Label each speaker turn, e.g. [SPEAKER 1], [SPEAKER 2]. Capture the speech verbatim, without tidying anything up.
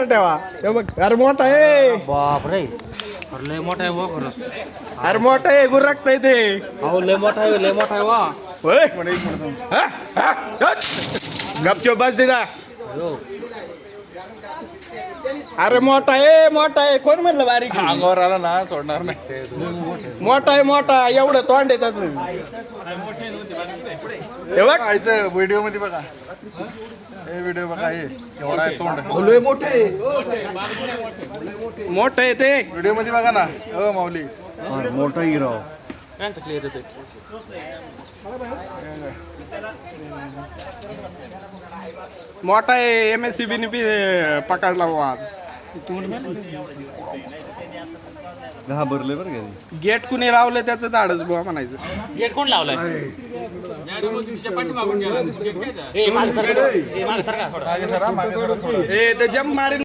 [SPEAKER 1] वर ठेवा हे बघ अरे मोठा आहे
[SPEAKER 2] बाप रे अरे लय मोठा आहे वा खरंच
[SPEAKER 1] अरे मोठा आहे गुरकता ते
[SPEAKER 2] अहो लय मोठा आहे लय मोठा आहे वा
[SPEAKER 1] होय हा? हा? हट. गपचूप बस दिदा
[SPEAKER 2] हो
[SPEAKER 1] अरे मोठा आहे मोठा आहे कोण म्हणलं बारीक आहे?
[SPEAKER 3] अंगावर आला ना सोडणार नाही
[SPEAKER 1] मोठा आहे मोठा एवढं तोंड आहे त्याच हे बघ
[SPEAKER 3] इथं व्हिडिओ मध्ये बघा हे व्हिडिओ बघा हे एवढा आहे तोंड
[SPEAKER 1] मोठं आहे ते
[SPEAKER 3] व्हिडिओ मध्ये बघा ना हो माऊली
[SPEAKER 4] मोठा हिरो
[SPEAKER 2] त्यांचं क्लिअर येते
[SPEAKER 1] मोठा आहे M S C B P पकडला बुवा आज
[SPEAKER 4] घाबरले बरं का
[SPEAKER 1] गेट कुणी लावलं त्याचं धाडच बुवा म्हणायचं
[SPEAKER 2] गेट कोण लावलाय ए मागे सरका ए मागे सरका थोडं
[SPEAKER 3] मागे सरा मागे सरा थोडं
[SPEAKER 1] ए ते जम्प मारेल